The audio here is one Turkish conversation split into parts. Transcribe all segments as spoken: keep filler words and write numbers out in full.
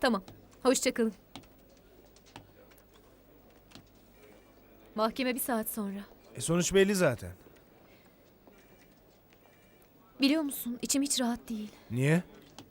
Tamam. Hoşça kalın. Mahkeme bir saat sonra. E sonuç belli zaten. Biliyor musun, içim hiç rahat değil. Niye?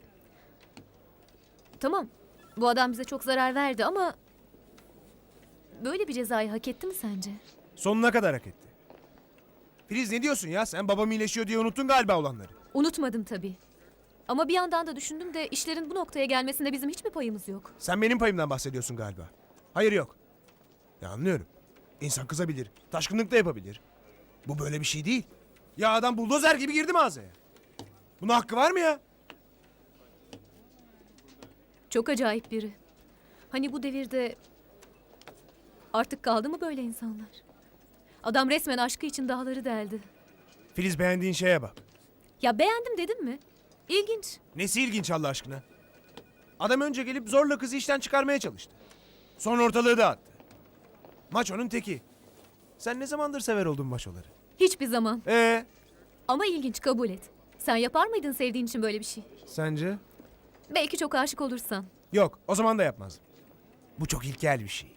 Tamam, bu adam bize çok zarar verdi ama... böyle bir cezayı hak etti mi sence? Sonuna kadar hak etti. Filiz ne diyorsun ya? Sen babam iyileşiyor diye unuttun galiba olanları. Unutmadım tabii. Ama bir yandan da düşündüm de işlerin bu noktaya gelmesinde bizim hiç mi payımız yok? Sen benim payımdan bahsediyorsun galiba. Hayır yok. Ya anlıyorum. İnsan kızabilir. Taşkınlık da yapabilir. Bu böyle bir şey değil. Ya adam buldozer gibi girdi mağazaya. Buna hakkı var mı ya? Çok acayip biri. Hani bu devirde... artık kaldı mı böyle insanlar? Adam resmen aşkı için dağları deldi. Filiz beğendiğin şeye bak. Ya beğendim dedim mi? İlginç. Nesi ilginç Allah aşkına? Adam önce gelip zorla kızı işten çıkarmaya çalıştı. Sonra ortalığı dağıttı. Maçonun teki. Sen ne zamandır sever oldun maçoları? Hiçbir zaman. Ee, Ama ilginç, kabul et. Sen yapar mıydın sevdiğin için böyle bir şey? sence? Belki çok aşık olursan. Yok, o zaman da yapmazdım. Bu çok ilkel bir şey.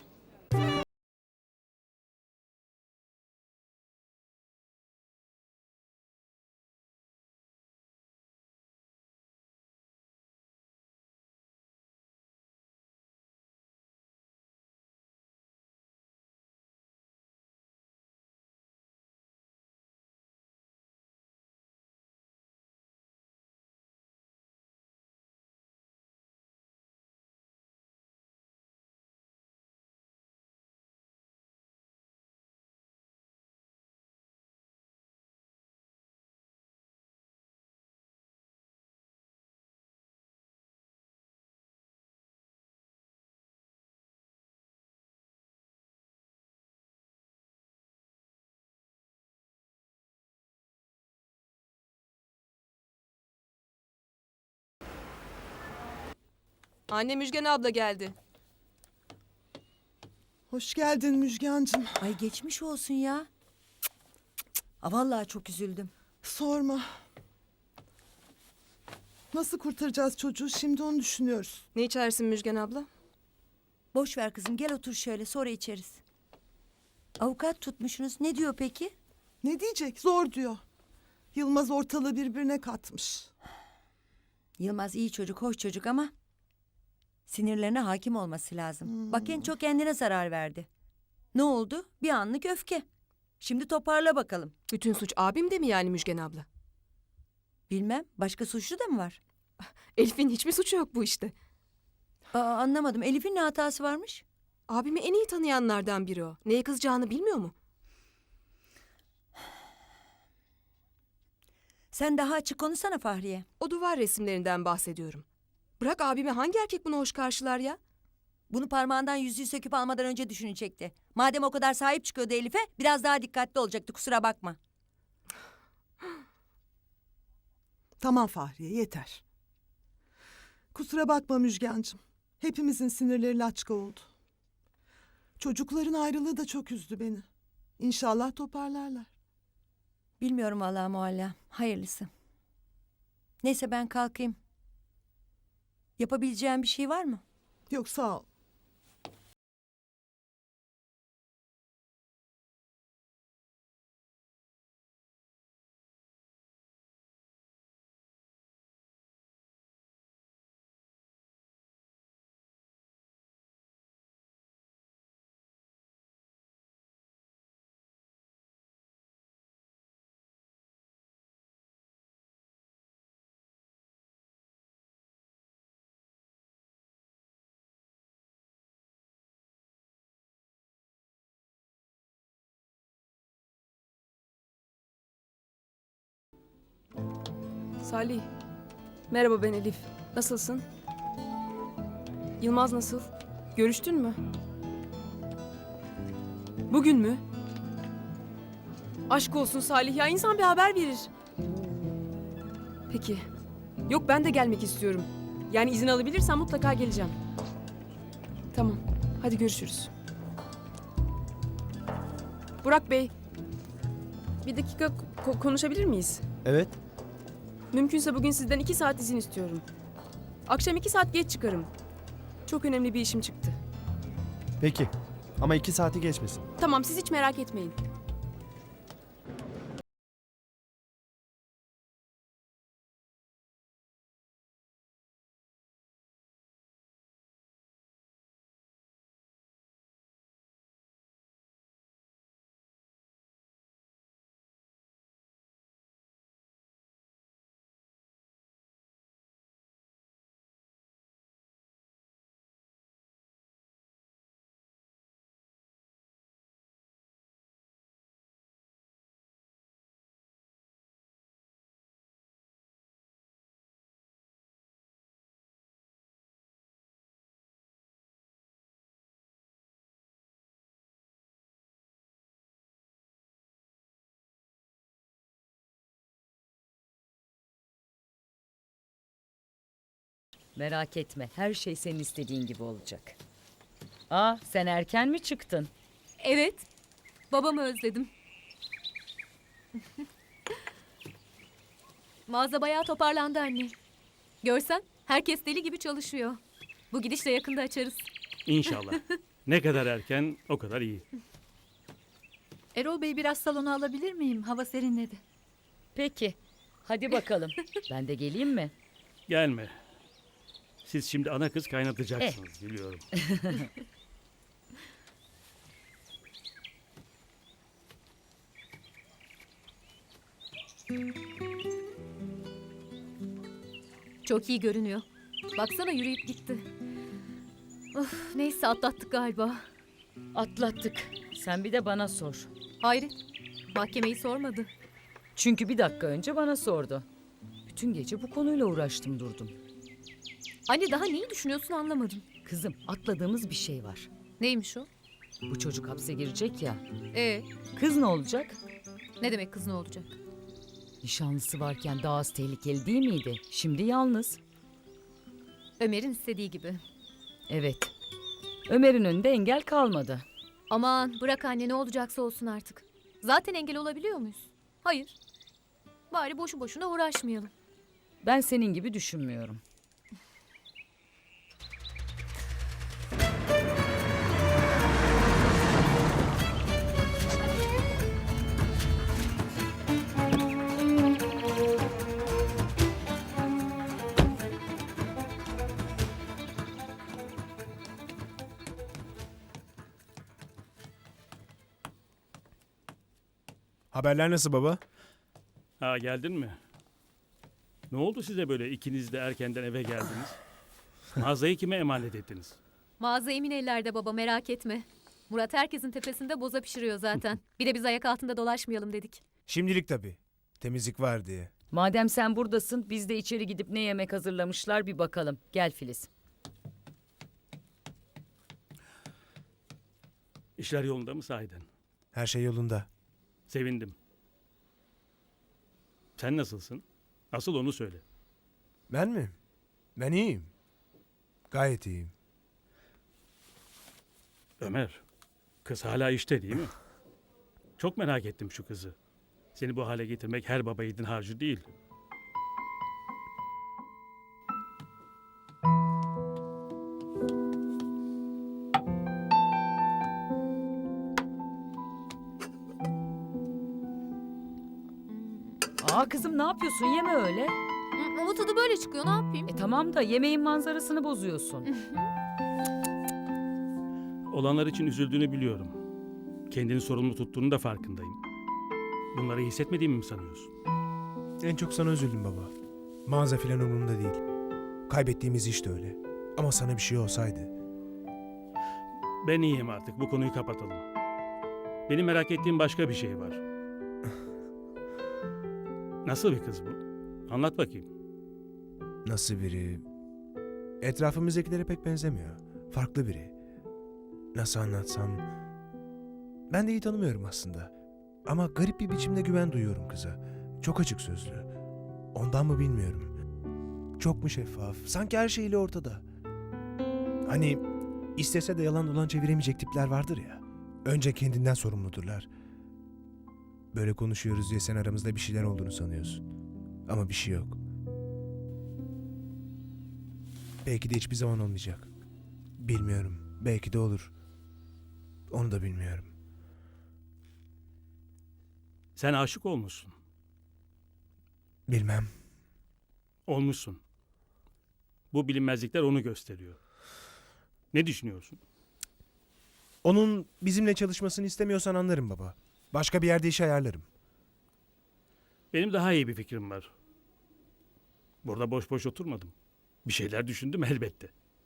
Anne Müjgan abla geldi. Hoş geldin Müjgancığım. Ay geçmiş olsun ya. Cık, cık, cık. Aa, vallahi çok üzüldüm. Sorma. Nasıl kurtaracağız çocuğu şimdi onu düşünüyoruz. Ne içersin Müjgan abla? Boş ver kızım, gel otur şöyle, sonra içeriz. Avukat tutmuşsunuz. Ne diyor peki? Ne diyecek? Zor diyor. Yılmaz ortalığı birbirine katmış. Yılmaz iyi çocuk, hoş çocuk ama sinirlerine hakim olması lazım. Hmm. Bak en çok kendine zarar verdi. Ne oldu? Bir anlık öfke. Şimdi toparla bakalım. Bütün suç abimde mi yani Müjgan abla? Bilmem, başka suçlu da mı var? Elif'in hiçbir suçu yok bu işte. Aa, anlamadım. Elif'in ne hatası varmış? Abimi en iyi tanıyanlardan biri o. Neye kızacağını bilmiyor mu? Sen daha açık konuşsana Fahriye. O duvar resimlerinden bahsediyorum. Bırak abimi, hangi erkek bunu hoş karşılar ya? Bunu parmağından yüzüğü söküp almadan önce düşünecekti. Madem o kadar sahip çıkıyordu Elif'e, biraz daha dikkatli olacaktı, kusura bakma. Tamam Fahriye yeter. Kusura bakma Müjgancığım. Hepimizin sinirleri laçka oldu. Çocukların ayrılığı da çok üzdü beni. İnşallah toparlarlar. Bilmiyorum vallahi Mualla. Hayırlısı. Neyse ben kalkayım. Yapabileceğim bir şey var mı? Yok sağ ol. Salih. Merhaba, ben Elif. Nasılsın? Yılmaz nasıl? Görüştün mü? Bugün mü? Aşk olsun Salih ya, insan bir haber verir. Peki. Yok, ben de gelmek istiyorum. Yani izin alabilirsem mutlaka geleceğim. Tamam. Hadi görüşürüz. Burak Bey. Bir dakika ko- konuşabilir miyiz? Evet. Mümkünse bugün sizden iki saat izin istiyorum. Akşam iki saat geç çıkarım. Çok önemli bir işim çıktı. Peki. Ama iki saati geçmesin. Tamam, siz hiç merak etmeyin. Merak etme, her şey senin istediğin gibi olacak. Aa, sen erken mi çıktın? Evet. Babamı özledim. Mağaza bayağı toparlandı anne. Görsen herkes deli gibi çalışıyor. Bu gidişle yakında açarız. İnşallah. Ne kadar erken o kadar iyi. Erol Bey biraz salona alabilir miyim? Hava serinledi. Peki, hadi bakalım. Ben de geleyim mi? Gelme. Siz şimdi ana kız kaynatacaksınız biliyorum. Çok iyi görünüyor. Baksana yürüyüp gitti. Of, neyse atlattık galiba. Atlattık. Sen bir de bana sor. Hayret. Mahkemeyi sormadı. Çünkü bir dakika önce bana sordu. Bütün gece bu konuyla uğraştım durdum. Anne daha neyi düşünüyorsun anlamadım. Kızım, atladığımız bir şey var. Neymiş o? Bu çocuk hapse girecek ya. Ee, Kız ne olacak? ne demek kız ne olacak? Nişanlısı varken daha az tehlikeli değil miydi? Şimdi yalnız. Ömer'in istediği gibi. Evet. Ömer'in önünde engel kalmadı. Aman bırak anne ne olacaksa olsun artık. Zaten engel olabiliyor muyuz? Hayır. Bari boşu boşuna uğraşmayalım. Ben senin gibi düşünmüyorum. Haberler nasıl baba? Ha geldin mi? Ne oldu size böyle ikiniz de erkenden eve geldiniz? Mağazayı kime emanet ettiniz? Mağaza emin ellerde baba merak etme. Murat herkesin tepesinde boza pişiriyor zaten. Bir de biz ayak altında dolaşmayalım dedik. Şimdilik tabii. Temizlik var diye. Madem sen buradasın, biz de içeri gidip ne yemek hazırlamışlar bir bakalım. Gel Filiz. İşler yolunda mı sahiden? Her şey yolunda. Sevindim. Sen nasılsın? Asıl onu söyle. Ben mi? Ben iyiyim. Gayet iyiyim. Ömer, kız hala işte değil mi? Çok merak ettim şu kızı. Seni bu hale getirmek her baba yiğidin harcı değil. Aa kızım ne yapıyorsun? Yeme öyle. Hı, ama tadı böyle çıkıyor ne yapayım? E tamam da yemeğin manzarasını bozuyorsun. Olanlar için üzüldüğünü biliyorum. Kendini sorumlu tuttuğunu da farkındayım. Bunları hissetmediğimi mi sanıyorsun? En çok sana üzüldüm baba. Mağaza filan umurumda değil. Kaybettiğimiz iş de öyle. Ama sana bir şey olsaydı. Ben iyiyim artık. Bu konuyu kapatalım. Benim merak ettiğim başka bir şey var. Nasıl bir kız bu? Anlat bakayım. Nasıl biri? Etrafımızdakilere pek benzemiyor. Farklı biri. Nasıl anlatsam? Ben de iyi tanımıyorum aslında. Ama garip bir biçimde güven duyuyorum kıza. Çok açık sözlü. Ondan mı bilmiyorum. Çok mu şeffaf? Sanki her şeyiyle ortada. Hani istese de yalan dolan çeviremeyecek tipler vardır ya. Önce kendinden sorumludurlar. Böyle konuşuyoruz diye sen aramızda bir şeyler olduğunu sanıyorsun. Ama bir şey yok. Belki de hiçbir zaman olmayacak. Bilmiyorum. Belki de olur. Onu da bilmiyorum. Sen aşık olmuşsun. Bilmem. Olmuşsun. Bu bilinmezlikler onu gösteriyor. Ne düşünüyorsun? Onun bizimle çalışmasını istemiyorsan anlarım baba. Başka bir yerde iş ayarlarım. Benim daha iyi bir fikrim var. Burada boş boş oturmadım. Bir şeyler düşündüm elbette.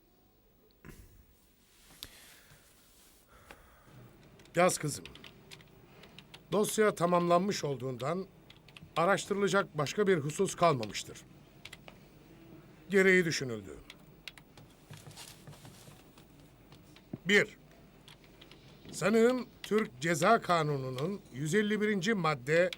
Yaz kızım. Dosya tamamlanmış olduğundan araştırılacak başka bir husus kalmamıştır. Gereği düşünüldü. Bir. Sanığın Türk Ceza Kanunu'nun yüz elli birinci madde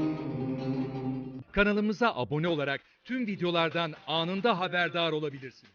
Kanalımıza abone olarak tüm videolardan anında haberdar olabilirsiniz.